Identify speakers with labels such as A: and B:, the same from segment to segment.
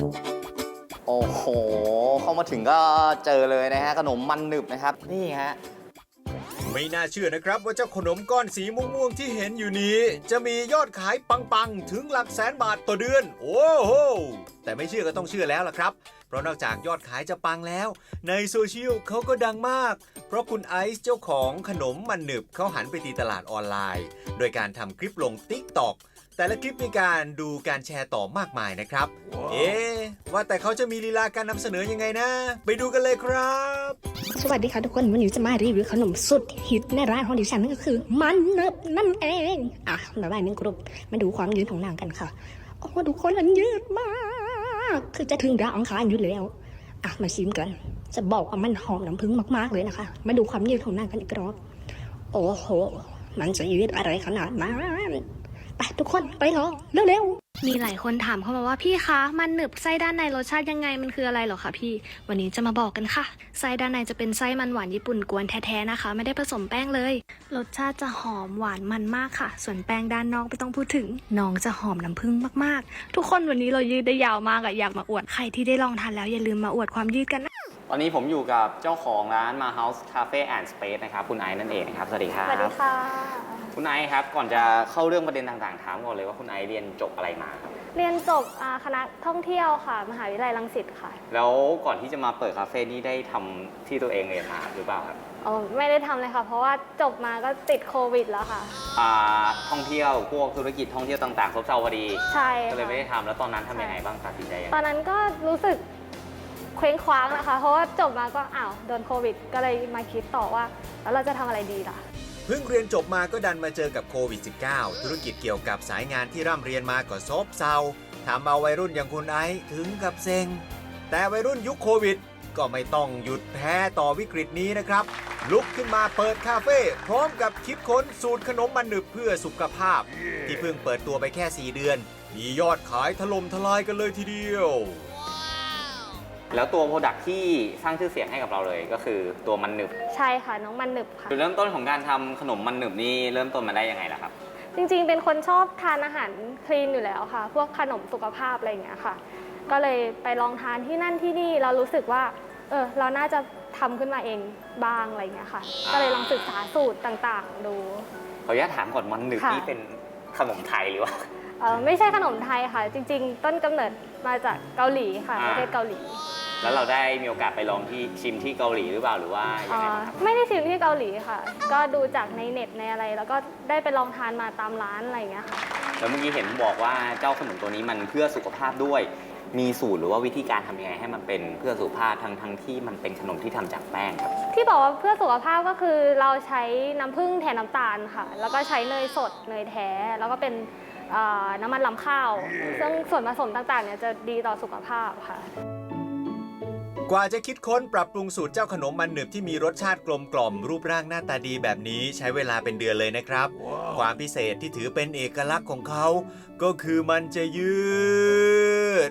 A: โอ้โหเข้ามาถึงก็เจอเลยนะฮะขนมมันหนึบนะครับนี่ฮะ
B: ไม่น่าเชื่อนะครับว่าเจ้าขนมก้อนสีม่วงๆที่เห็นอยู่นี้จะมียอดขายปังๆถึงหลักแสนบาทต่อเดือนโอ้โหแต่ไม่เชื่อก็ต้องเชื่อแล้วล่ะครับเพราะนอกจากยอดขายจะปังแล้วในโซเชียลเขาก็ดังมากเพราะคุณไอซ์เจ้าของขนมมันหนึบเขาหันไปตีตลาดออนไลน์โดยการทำคลิปลง TikTok แต่ละคลิปมีการดูการแชร์ต่อมากมายนะครับ ว่าแต่เขาจะมีลีลาการนำเสนอยังไงนะไปดูกันเลยครับ
C: สวัสดีค่ะทุกคนวันนี้จะมารีวิวขนมสุดฮิตในร้านของดิฉันนั่นก็คือมันเนิบนั่นเองละลายหนึ่งกรุ๊ปมาดูความยืดของนางกันค่ะโอ้ทุกคนมันยืดมากคือจะถึงดาวอังคารอยู่แล้วมาชิมกันจะบอกว่ามันหอมน้ำผึ้งมากๆเลยนะคะมาดูความยืดของนางกันอีกรอบโอ้โหมันจะยืดอะไรขนาดนั้นไปทุกคนไปรอเร็วๆมีหลายคนถามเข้ามาว่าพี่คะมันหนึบไส้ด้านในรสชาติยังไงมันคืออะไรเหรอคะพี่วันนี้จะมาบอกกันค่ะไส้ด้านในจะเป็นไส้มันหวานญี่ปุ่นกวนแท้ๆนะคะไม่ได้ผสมแป้งเลยรสชาติจะหอมหวานมันมากค่ะส่วนแป้งด้านนอกไม่ต้องพูดถึงน้องจะหอมน้ำผึ้งมากๆทุกคนวันนี้เรายืดได้ยาวมากอยากมาอวดใครที่ได้ลองทานแล้วอย่าลืมมาอวดความยืดกันนะ
A: ตอนนี้ผมอยู่กับเจ้าของร้าน Ma House Cafe and Space นะครับคุณไอซ์นั่นเองนะครับสวัสดีครับ
D: สวัสดีค่ะ
A: คุณไอซ์ครับก่อนจะเข้าเรื่องประเด็นต่างๆถามก่อนเลยว่าคุณไอซ์เรียนจบอะไรมาครับ
D: เรียนจบคณะท่องเที่ยวค่ะมหาวิทยาลัยรังสิตค่ะ
A: แล้วก่อนที่จะมาเปิดคาเฟ่นี่ได้ทำที่ตัวเองเรียนมาหรือเปล่าครับ
D: ไม่ได้ทำเลยค่ะเพราะว่าจบมาก็ติดโควิดแล้วค่ะ
A: ท่องเที่ยวพวกธุรกิจท่องเที่ยวต่างๆซบเซาพอดี
D: ใช่
A: ก็เลยไม่ได้ทำแล้วตอนนั้นทำยังไงบ้างตัดสินใจยังไง
D: ตอนนั้นก็รู้สึกเคว้งคว้างนะคะเพราะว่าจบมาก็โดนโควิดก็เลยมาคิดต่อว่าแล้วเราจะทำอะไรดีล่ะ
B: เพิ่งเรียนจบมาก็ดันมาเจอกับโควิด -19 ธุรกิจเกี่ยวกับสายงานที่ร่ำเรียนมาก็ซบเซาทำเอาวัยรุ่นอย่างคุณไอซ์ถึงกับเซ็งแต่วัยรุ่นยุคโควิดก็ไม่ต้องหยุดแพ้ต่อวิกฤตนี้นะครับลุกขึ้นมาเปิดคาเฟ่พร้อมกับคิดค้นสูตรขนมมันหนึบเพื่อสุขภาพที่เพิ่งเปิดตัวไปแค่4 เดือนมียอดขายถล่มทลายกันเลยทีเดียว
A: แล้วตัวโปรดักที่สร้างชื่อเสียงให้กับเราเลยก็คือตัวมันหนึบ
D: ใช่ค่ะน้องมันหนึบค่ะ
A: จุดเริ่มต้นของการทำขนมมันหนึบนี่เริ่มต้นมาได้ยังไงล่ะครับ
D: จริงๆเป็นคนชอบทานอาหารคลีนอยู่แล้วค่ะพวกขนมสุขภาพอะไรอย่างเงี้ยค่ะก็เลยไปลองทานที่นั่นที่นี่เรารู้สึกว่าเราน่าจะทำขึ้นมาเองบ้างอะไรอย่างเงี้ยค่ะก็เลยลองศึกษาสูตรต่างๆดู
A: ขออนุญาตถามก่อนมันหนึบนี่เป็นขนมไทยหรือว่า
D: ไม่ใช่ขนมไทยค่ะจริงๆต้นกำเนิดมาจากเกาหลีค่ะประเทศเกาหลี
A: แล้วเราได้มีโอกาสไปลองที่ชิมที่เกาหลีหรือเปล่าหรือว่ายังไงครับ
D: ไม่ได้ชิมที่เกาหลีค่ะก็ดูจากในเน็ตในอะไรแล้วก็ได้ไปลองทานมาตามร้านอะไรอย่างเงี้ยค่ะ
A: แล้วเมื่อกี้เห็นบอกว่าเจ้าขนมตัวนี้มันเพื่อสุขภาพด้วยมีสูตรหรือว่าวิธีการทำยังไงให้มันเป็นเพื่อสุขภาพทั้งที่มันเป็นขนมที่ทำจากแป้งครับ
D: ที่บอกว่าเพื่อสุขภาพก็คือเราใช้น้ำผึ้งแทนน้ำตาลค่ะแล้วก็ใช้เนยสดเนยแท้แล้วก็เป็นน้ำมันรำข้าวซึ่งส่วนผสมต่างๆเนี่ยจะดีต่อสุขภาพค่ะ
B: กว่าจะคิดค้นปรับปรุงสูตรเจ้าขนมมันหนึบที่มีรสชาติกลมกล่อมรูปร่างหน้าตาดีแบบนี้ใช้เวลาเป็นเดือนเลยนะครับ ความพิเศษที่ถือเป็นเอกลักษณ์ของเขาก็คือมันจะยืด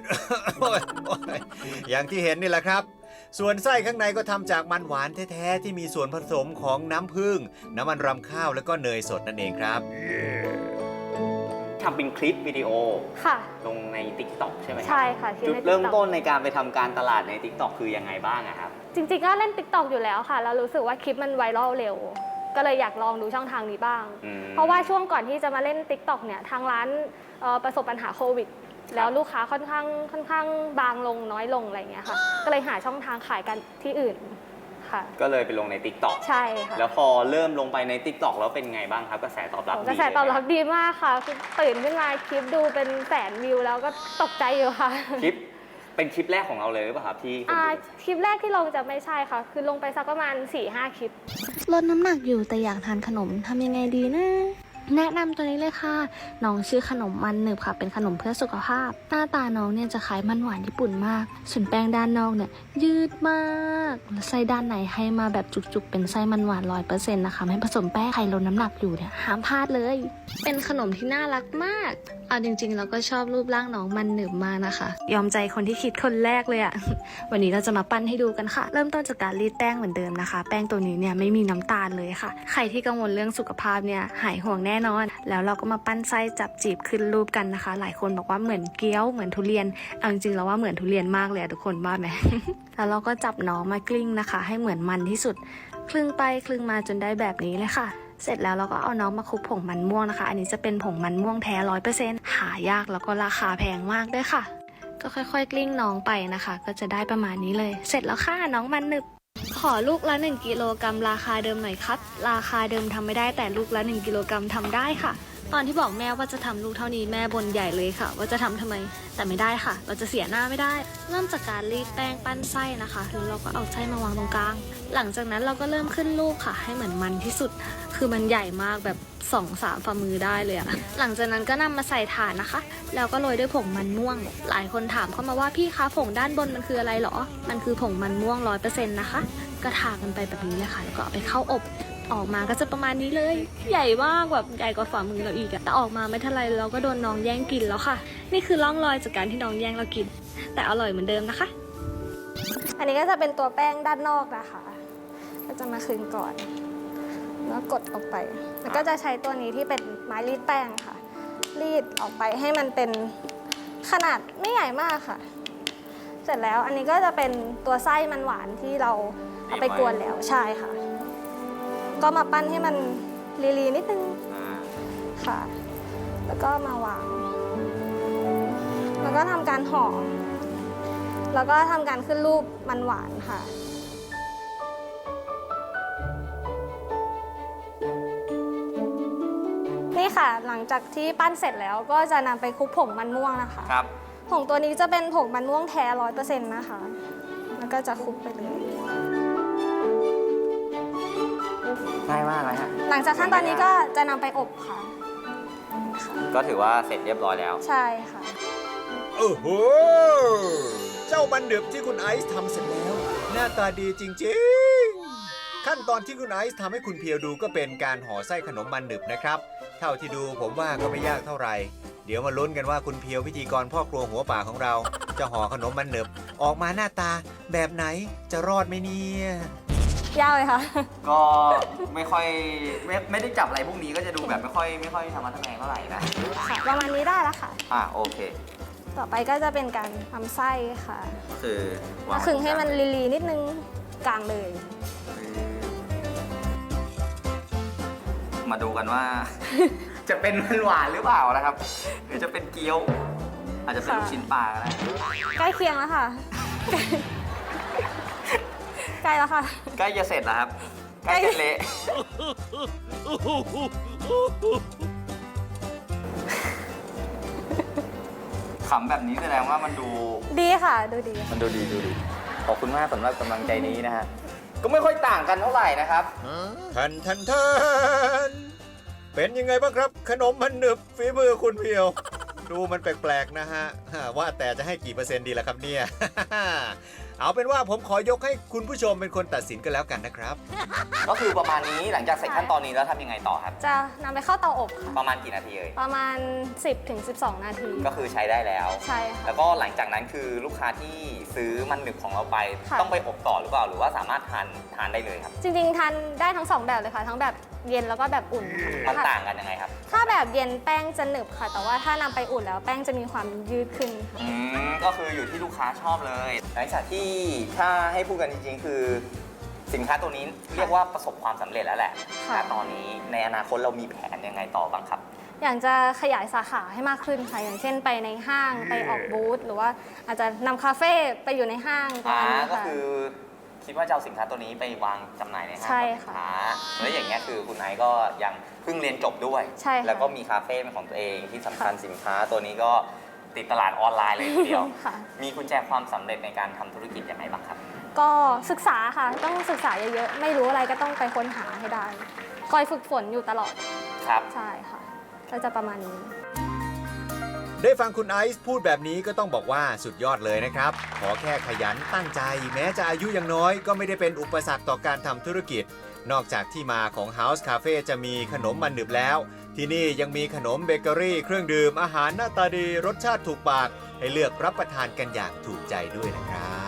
B: อย่างที่เห็นนี่แหละครับส่วนไส้ข้างในก็ทำจากมันหวานแท้ๆที่มีส่วนผสมของน้ำผึ้งน้ำมันรำข้าวแล้วก็เนยสดนั่นเองครับ
A: ทำเป็นคลิปวิดีโอ
D: ค่ะ
A: ลงใน TikTok ใช่ไหม
D: ใช่ค่ะ
A: จุดเริ่มต้นในการไปทำการตลาดใน TikTok คือยังไงบ้างครับ
D: จริงๆก็เล่น TikTok อยู่แล้วค่ะแล้วรู้สึกว่าคลิปมันไวรัลเร็วก็เลยอยากลองดูช่องทางนี้บ้างเพราะว่าช่วงก่อนที่จะมาเล่น TikTok เนี่ยทางร้านประสบปัญหาโควิดแล้วลูกค้าค่อนข้างบางลงน้อยลงอะไรอย่างเงี้ยค่ะก็เลยหาช่องทางขายกันที่อื่น
A: ก็เลยไปลงใน TikTok
D: ใช่ค่ะ
A: แล้วพอเริ่มลงไปใน TikTok แล้วเป็นไงบ้างครับกระแสตอบรับดี
D: กระแสตอบรับดีมากค่ะคือตื่นขึ้นมาคลิปดูเป็นแสนวิวแล้วก็ตกใจอยู่ค่ะ
A: คลิปเป็นคลิปแรกของเราเลยหรือเปล่าครับที่
D: คลิปแรกที่ลงจะไม่ใช่ค่ะคือลงไปสักประมาณ 4-5 คลิป
C: ลดน้ำหนักอยู่แต่อยากทานขนมทำยังไงดีนะแนะนำตัวนี้เลยค่ะน้องชื่อขนมมันหนึบค่ะเป็นขนมเพื่อสุขภาพหน้าตาน้องเนี่ยจะคล้ายมันหวานญี่ปุ่นมากส่วนแป้งด้านนอกเนี่ยยืดมากและไส้ด้านในให้มาแบบจุกๆเป็นไส้มันหวาน 100% นะคะไม่ผสมแป้งใครลดน้ำหนักอยู่เนี่ยห้ามพลาดเลยเป็นขนมที่น่ารักมากเอาจริงๆเราก็ชอบรูปร่างน้องมันหนึบมากนะคะยอมใจคนที่คิดคนแรกเลยอะวันนี้เราจะมาปั้นให้ดูกันค่ะเริ่มต้นจากการรีดแป้งเหมือนเดิมนะคะแป้งตัวนี้เนี่ยไม่มีน้ำตาลเลยค่ะใครที่กังวลเรื่องสุขภาพเนี่ยหายห่วงแน่น่นอน แล้วเราก็มาปั้นไส้จับจีบขึ้นรูปกันนะคะ หลายคนบอกว่าเหมือนเกี๊ยวเหมือนทุเรียนเอาจริงๆแล้วว่าเหมือนทุเรียนมากเลยทุกคนว่าไหม แล้วเราก็จับน้องมากลิ้งนะคะ ให้เหมือนมันที่สุดคลึงไปคลึงมาจนได้แบบนี้เลยค่ะ เสร็จแล้วเราก็เอาน้องมาคลุกผงมันม่วงนะคะ อันนี้จะเป็นผงมันม่วงแท้ 100% หายากแล้วก็ราคาแพงมากด้วยค่ะ ก็ค่อยๆกลิ้งน้องไปนะคะ ก็จะได้ประมาณนี้เลย เสร็จแล้วค่ะน้องมันหนึบขอลูกละ1กิโลกรัมราคาเดิมหน่อยครับราคาเดิมทำไม่ได้แต่ลูกละ1กิโลกรัมทำได้ค่ะ ตอนที่บอกแม่ว่าจะทำลูกเท่านี้แม่บ่นใหญ่เลยค่ะ ว่าจะทำทำไมแต่ไม่ได้ค่ะ เราจะเสียหน้าไม่ได้ เริ่มจากการรีดแป้งปั้นไส้นะคะแล้วเราก็เอาไส้มาวางตรงกลางหลังจากนั้นเราก็เริ่มขึ้นรูปค่ะ ให้เหมือนมันที่สุด คือมันใหญ่มากแบบ2-3 ฝ่ามือได้เลยอะหลังจากนั้นก็นำมาใส่ถาดนะคะ แล้วก็โรยด้วยผงมันม่วง หลายคนถามเข้ามาว่าพี่คะผงด้านบนมันคืออะไรหรอมันคือผงมันม่วง 100% นะคะก็ทากันไปแบบนี้เลยค่ะแล้วก็เอาไปเข้าอบออกมาก็จะประมาณนี้เลย ใหญ่มากแบบใหญ่กว่าฝ่ามือเราอีกอะแต่ออกมาไม่เท่าไรเราก็โดนน้องแย่งกินแล้วค่ะ นี่คือร่องรอยจากการที่น้องแย่งเรากิน แต่อร่อยเหมือนเดิมนะคะ
D: อันนี้ก็จะเป็นตัวแป้งด้านนอกนะคะ ก็จะมาคลึงก่อน แล้วกดออกไป แล้วก็จะใช้ตัวนี้ที่เป็นไม้รีดแป้งค่ะ รีดออกไปให้มันเป็นขนาดไม่ใหญ่มากค่ะ เสร็จแล้วอันนี้ก็จะเป็นตัวไส้มันหวานที่เราเอาไปกวนแล้วใช่ค่ะ ก็มาปั้นให้มันลีๆนิดนึงค่ะ แล้วก็มาวาง แล้วก็ทำการห่อ แล้วก็ทำการขึ้นรูปมันหวานค่ะ นี่ค่ะหลังจากที่ปั้นเสร็จแล้วก็จะนำไปคลุกผงมันม่วงนะคะ
A: ครับ
D: ผงตัวนี้จะเป็นผงมันม่วงแท้ 100% นะคะ แล้วก็จะคลุกไปเลย
A: ง่ายมากเลยฮะ
D: หลังจากขั้นตอนนี้ก็จะนำไปอบค่ะ
A: ก็ถือว่าเสร็จเรียบร้อยแล้ว
D: ใช่ค่ะ
B: โอ้โห เจ้ามันหนึบที่คุณไอซ์ทำเสร็จแล้ว หน้าตาดีจริงๆ ขั้นตอนที่คุณไอซ์ทำให้คุณเพียวดูก็เป็นการห่อไส้ขนมมันหนึบนะครับ เท่าที่ดูผมว่าก็ไม่ยากเท่าไหร่ เดี๋ยวมาลุ้นกันว่าคุณเพียวพิธีกรพ่อครัวหัวป่าของเรา จะห่อขนมมันหนึบออกมาหน้าตาแบบไหนจะรอดไหมเนี่ย
D: ยากเลยค่ะ
A: ก็ไม่ค่อยไม่ได้จับอะไรพวกนี้ก็จะดูแบบไม่ค่อยทำมาทำแมงเท่าไหร่นะ
D: ค่ะ ประมาณนี้ได้แล้วค่ะ
A: โอเค
D: ต่อไปก็จะเป็นการทำไส้ค่ะ
A: ก็คือวาง
D: คลึงให้มันลีๆนิดนึงกลางเลย
A: มาดูกันว่า จะเป็นมันหวานหรือเปล่านะครับ หรือจะเป็นเกี๊ยว อาจจะเป็นลูกชิ้นปลาก็ได้
D: ใกล้เคียงแล้วค่ะ ใกล้แล้วค่ะ
A: ใกล้จะเสร็จแล้วครับ ใกล้จะเละ ขำแบบนี้แสดงว่ามันดู
D: ดีค่ะ ดูดี
A: มันดูดีขอบคุณมากสำหรับกำลังใจนี้นะฮะ ก็ไม่ค่อยต่างกันเท่าไหร่นะครับ
B: ทันเป็นยังไงบ้างครับ ขนมมันหนึบฝีมือคุณเพียว ดูมันแปลกๆนะฮะ ว่าแต่จะให้กี่เปอร์เซ็นต์ดีล่ะครับเนี่ย เอาเป็นว่าผมขอยกให้คุณผู้ชมเป็นคนตัดสินกันแล้วกันนะครับ
A: ก็คือประมาณนี้หลังจากเสร็จขั้นตอนนี้แล้วทำยังไงต่อครับ
D: จะนำไปเข้าเตาอบค่ะ
A: ประมาณกี่นาทีเอ่ย
D: ประมาณ 10-12 นาที
A: ก็คือใช้ได้แล้ว
D: ใช่ค่ะ
A: แล้วก็หลังจากนั้นคือลูกค้าที่ซื้อมันหนึบของเราไป
D: ค่ะ
A: ต้องไปอบต่อหรือเปล่าหรือว่าสามารถทานได้เลยครับ
D: จริงๆ ทานได้ทั้งสองแบบเลยค่ะ ทั้งแบบเย็นแล้วก็แบบอุ่น
A: มัน
D: ค่ะ
A: ต่างกันยังไงครับ
D: ถ้าแบบเย็นแป้งจะหนึบค่ะ แต่ว่าถ้านำไปอุ่นแล้วแป้งจะมีความยืดขึ้นค่ะ
A: ก็คืออยู่ที่ลูกค้าชอบเลย หลังจากที่ถ้าให้พูดกันจริงๆ คือ สินค้าตัวนี้เรียกว่าประสบความสำเร็จแล้วแหละ
D: ค่ะ
A: ณตอนนี้ในอนาคตเรามีแผนยังไงต่อบ้างครับ
D: อยากจะขยายสาขาให้มากขึ้นค่ะ อย่างเช่นไปในห้างไปออกบูธหรือว่าอาจจะนำคาเฟ่ไปอยู่ในห้างประมาณนี้
A: ก็
D: ค่ะ
A: คือคิดว่าจะเอาสินค้าตัวนี้ไปวางจำหน่ายในห้าง
D: ใช่
A: สิน
D: ค่ะ
A: ค้าแล้วอย่างเงี้ยคือคุณไอซ์ก็ยังเพิ่งเรียนจบด้วย
D: ใช่ค่ะ
A: แล้วก็มีคาเฟ่เป็นของตัวเองที่สำคัญสินค้าตัวนี้ก็ติดตลาดออนไลน์เลยทีเดียว
D: ค่ะ
A: มีกุญแจความสำเร็จในการทำธุรกิจยังไงบ้างครับ
D: ก็ศึกษาค่ะ ต้องศึกษาเยอะๆ ไม่รู้อะไรก็ต้องไปค้นหาให้ได้ คอยฝึกฝนอยู่ตลอด
A: ครับ
D: ใช่ค่ะ ก็จะประมาณนี้
B: ได้ฟังคุณไอซ์พูดแบบนี้ก็ต้องบอกว่าสุดยอดเลยนะครับ ขอแค่ขยันตั้งใจ แม้จะอายุยังน้อยก็ไม่ได้เป็นอุปสรรคต่อการทำธุรกิจ นอกจากที่มาของ House Cafe จะมีขนมมันหนึบแล้ว ที่นี่ยังมีขนมเบเกอรี่เครื่องดื่มอาหารหน้าตาดีรสชาติถูกปาก ให้เลือกรับประทานกันอย่างถูกใจด้วยนะครับ